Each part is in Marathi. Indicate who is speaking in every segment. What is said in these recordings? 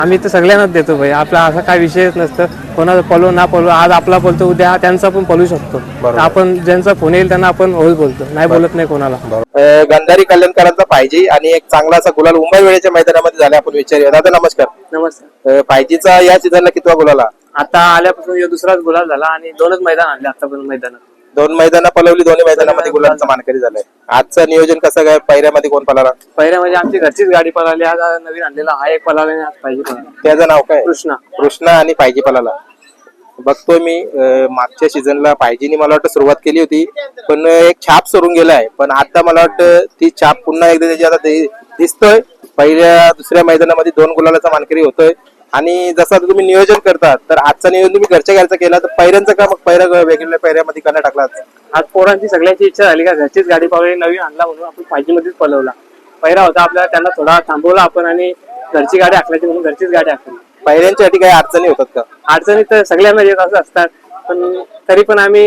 Speaker 1: आम्ही तर सगळ्यांनाच देतो भाई, आपला असा काय विषयच नसतं. कोणाचा पळू ना पळू, आज आपला पळतो उद्या त्यांचा पण पळू शकतो. आपण ज्यांचा फोन येईल त्यांना आपण होच बोलतो, नाही बोलत नाही कोणाला.
Speaker 2: गंधारी कल्याणकरांचा पाहिजे आणि एक चांगला असा गुलाल मुंबई वेळेच्या मैदानामध्ये झाला. आपण विचारूया. दादा नमस्कार.
Speaker 1: नमस्कार.
Speaker 2: पाहिजेचा या सीझनला कितवा गुलाला?
Speaker 1: आता आल्यापासून दुसराच गुलाल झाला आणि 2च मैदान आणले आतापर्यंत मैदानात.
Speaker 2: 2 मैदानं पळवली, दोन्ही मैदानामध्ये गुलालचा मानकरी झालाय. आजचं नियोजन कसं काय? पहिऱ्यामध्ये कोण पळाला?
Speaker 1: पहिल्या म्हणजे आमची घरचीच गाडी पळाली, आज नवीन आणलेला हा एक पळाला आणि आज पाहिजे पळाला.
Speaker 2: त्याचं नाव काय?
Speaker 1: कृष्णा
Speaker 2: आणि पाहिजे पळाला. बघतोय मी मागच्या सीझनला पाहिजेनी मला वाटतं सुरुवात केली होती, पण एक छाप सोडून गेलाय. पण आता मला वाटतं ती छाप पुन्हा एकदा त्याची आता दिसतोय. पहिल्या दुसऱ्या मैदानामध्ये 2 गुलालाचा मानकरी होतोय. आणि जसं आता तुम्ही नियोजन करता, तर आजचं नियोजन तुम्ही घरच्या घरचा केला, तर पहिऱ्यांचं का मग पहिल्या वेगवेगळ्या पहिऱ्यामध्ये करण्यात टाकला?
Speaker 1: आज पोरांची सगळ्यांची इच्छा झाली का घरचीच गाडी पळवली, नवीन आणला म्हणून आपण पाहिजे मध्येच पळवला. पहिला होता आपल्याला, त्यांना थोडा थांबवला आपण आणि घरची गाडी आखल्याची म्हणून घरचीच गाडी आखली.
Speaker 2: पहिऱ्यांच्यासाठी काही अडचणी होतात का?
Speaker 1: अडचणी तर सगळ्यांना येत असतात, पण तरी पण आम्ही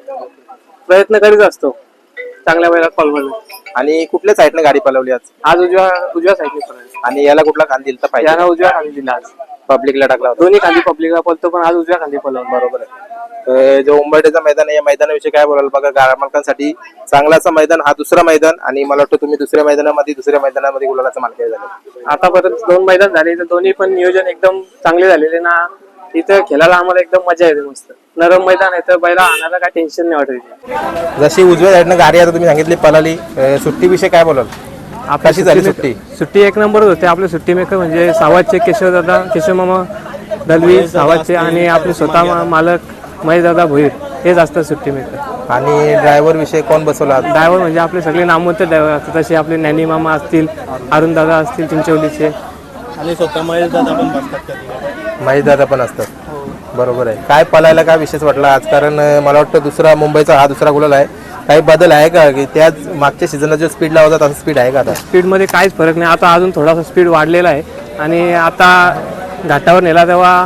Speaker 1: प्रयत्न करीत असतो चांगल्या वेळेला पळवण्याचा.
Speaker 2: आणि कुठल्या साईडने गाडी पळवली आज?
Speaker 1: उजव्या साईडने पळवली.
Speaker 2: आणि याला कुठला खांदी दिलता? पाहिजे
Speaker 1: याला उजव्या खाली दिला, आज
Speaker 2: पब्लिकला टाकला होता.
Speaker 1: दोन्ही खाली पब्लिकला पळतो, पण आज उजव्या खाली पळवलं.
Speaker 2: बरोबर आहे. जो उंबरठ्याचं मैदान आहे, या मैदानाविषयी काय बोलाल? बघा, गाडा मालकांसाठी चांगलाचा मैदान, हा दुसरा मैदान, आणि मला वाटतं तुम्ही दुसऱ्या मैदानामध्ये गुलालाचा मानकरी झाले.
Speaker 1: आतापर्यंत 2 मैदान झाले, तर दोन्ही पण नियोजन एकदम चांगले झालेले ना. इथं खेळायला आम्हाला एकदम मजा येते, मस्त नरम मैदान आहे, तर बैला आणायला काय टेन्शन नाही वाटत.
Speaker 2: जशी उजव्या साईडनं गाडी आता तुम्ही सांगितली पळाली, सुट्टीविषयी काय बोलाल? कशी झाली सुट्टी?
Speaker 1: सुट्टी एक नंबर होते. आपले सुट्टी मेकर म्हणजे सावतचे केशव मामा दलवी सावतचे, आणि आपले स्वतः मालक महेश दादा भोईर, हेच असतात सुट्टी मेकर.
Speaker 2: आणि ड्रायव्हर विषयी कोण बसवला?
Speaker 1: ड्रायव्हर म्हणजे आपले सगळे नामवंत ड्रायव्हर असतात, तसे आपले ज्ञानी मामा असतील, अरुण दादा असतील चिंचवलीचे,
Speaker 3: आणि स्वतः महेश दादा पण बसतात.
Speaker 2: महेश दादा पण असतात. बरोबर आहे. काय पळायला काय विशेष वाटला आज? कारण मला वाटतं मुंबईचा हा दुसरा गुलाल आहे. काही बदल आहे का की त्याच मागच्या सीझनला जो स्पीड लावला तसा स्पीड आहे का आता?
Speaker 1: स्पीडमध्ये काहीच फरक नाही. आता अजून थोडासा स्पीड वाढलेला आहे, आणि आता घाटावर नेला तेव्हा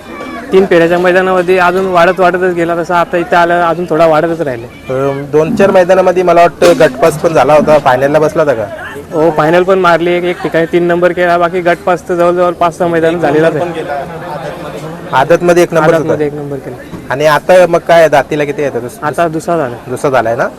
Speaker 1: 3 फेऱ्याच्या मैदानामध्ये अजून वाढतच गेला, तसा आता इथे आलं अजून थोडा वाढतच राहिले.
Speaker 2: 2-4 मैदानामध्ये मला वाटतं गटपास पण झाला होता, फायनलला बसला होता का?
Speaker 1: हो, फायनल पण मारली, एक ठिकाणी 3 नंबर केला, बाकी गटपास तर जवळजवळ 5-6 मैदान झालेला आहे.
Speaker 2: आदतमध्ये 1 नंबर
Speaker 1: केला.
Speaker 2: आणि आता मग काय दातीला किती येतं?
Speaker 1: आता दुसरा
Speaker 2: झालाय ना.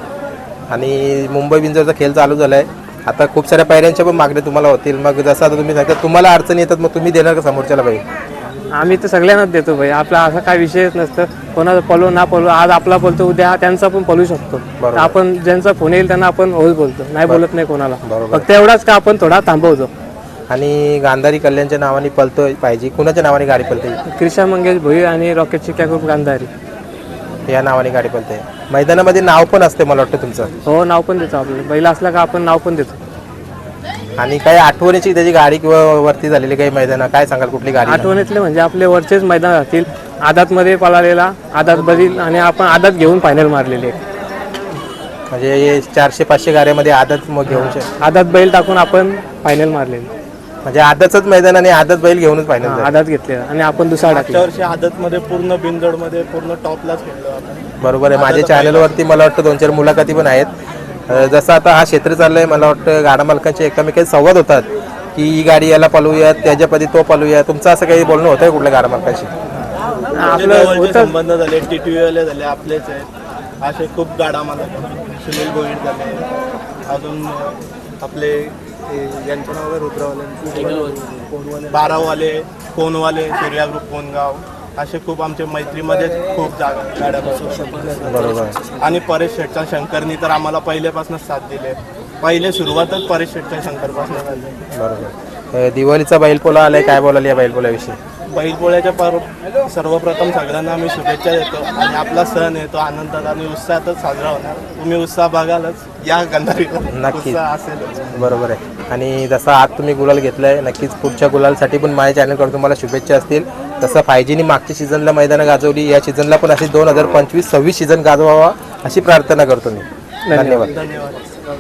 Speaker 2: आणि मुंबई बिंजरचा खेळ चालू झालाय, आता खूप साऱ्या पायऱ्यांच्या पण मागण्या तुम्हाला होतील. मग जसं आता तुम्ही सांगता तुम्हाला अडचणी येतात, मग तुम्ही देणार का समोरच्याला? भाई,
Speaker 1: आम्ही तर सगळ्यांनाच देतो भाई, आपला असा काय विषयच नसतं. कोणाचा पळू ना पळू, आज आपला पळतो उद्या त्यांचा पण पळू शकतो. आपण ज्यांचा फोन येईल त्यांना आपण होच बोलतो, नाही बोलत नाही कोणाला. फक्त एवढाच का आपण थोडा थांबवतो.
Speaker 2: आणि गांधारी कल्याणच्या नावाने पळतोय पाहिजे, कुणाच्या नावाने गाडी पळते?
Speaker 1: कृष्णा मंगेश भोईर आणि रॉकेट चिक्या ग्रुप गांधारी
Speaker 2: या नावाने गाडी पळते. मैदानामध्ये नाव पण असते मला वाटतं तुमचं?
Speaker 1: हो, नाव पण देतो. आपल्याला बैल असला का आपण नाव पण देतो.
Speaker 2: आणि काही आठवणीची त्याची गाडी किंवा वरती झालेली काही मैदान काय सांगाल? कुठली गाडी
Speaker 1: आठवणीतले म्हणजे आपले वरचेच मैदान राहतील. आदातमध्ये पळालेला आदात बदल, आणि आपण आदात घेऊन फायनल मारलेले.
Speaker 2: म्हणजे 400-500 गाड्यामध्ये आदत मग घेऊन
Speaker 1: आदात बैल टाकून आपण फायनल मारलेले.
Speaker 2: म्हणजे आदतच मैदान आणि आदत बैल घेऊनच फायनल
Speaker 1: आदात घेतलेला, आणि आपण दुसरा
Speaker 3: मागच्या वर्षी आदतमध्ये पूर्ण बिनजोडमध्ये पूर्ण टॉपलाच खेळलो आपण.
Speaker 2: बरोबर आहे. माझ्या चॅनलवरती मला वाटतं 2-4 मुलाखती पण आहेत. जसं आता हा क्षेत्र चाललंय, मला वाटतं गाडा मालकांचे एकमेकांचे संवाद होतात की ही गाडी याला पळवूयात, त्याच्यापदी तो पळवूया. तुमचं असं काही बोलणं होतंय कुठल्या गाडा मालकाशी?
Speaker 3: आपले संबंध झाले, टीटीव्हीवाले झाले, आपलेच आहेत असे खूप गाडा मालक. सुनील भोईर झाले, अजून आपले यांचं नाव रुद्रवाले, बारावाले, कोणवाले, सूर्या ग्रुप कोणगाव, असे खूप आमच्या मैत्रीमध्ये खूप गाड्या बसवतात.
Speaker 2: बरोबर.
Speaker 3: आणि परेश शेठचा शंकरनी तर आम्हाला पहिल्यापासूनच साथ दिले. पहिले सुरुवातच परेश शेठच्या शंकरपासून झाली.
Speaker 2: बरोबर. दिवाळीचा बैलपोळा आलाय, काय बोलाल या बैलपोळ्याविषयी?
Speaker 3: बैलपोळ्याच्या सर्वप्रथम सगळ्यांना आम्ही शुभेच्छा देतो, आणि आपला सण आहे तो आनंदात आणि उत्साहातच साजरा होणार. तुम्ही उत्साह बघालच या गंधारीला,
Speaker 2: नक्की
Speaker 3: असेलच.
Speaker 2: बरोबर आहे. आणि जसा आज तुम्ही गुलाल घेतलाय, नक्कीच पुढच्या गुलालसाठी पण माझ्या चॅनलकडून तुम्हाला शुभेच्छा असतील. तसं पाहिजेनी मागच्या सीझनला मैदानं गाजवली, या सीझनला पण अशी 2025-26 सीझन गाजवावा अशी प्रार्थना करतो मी. धन्यवाद.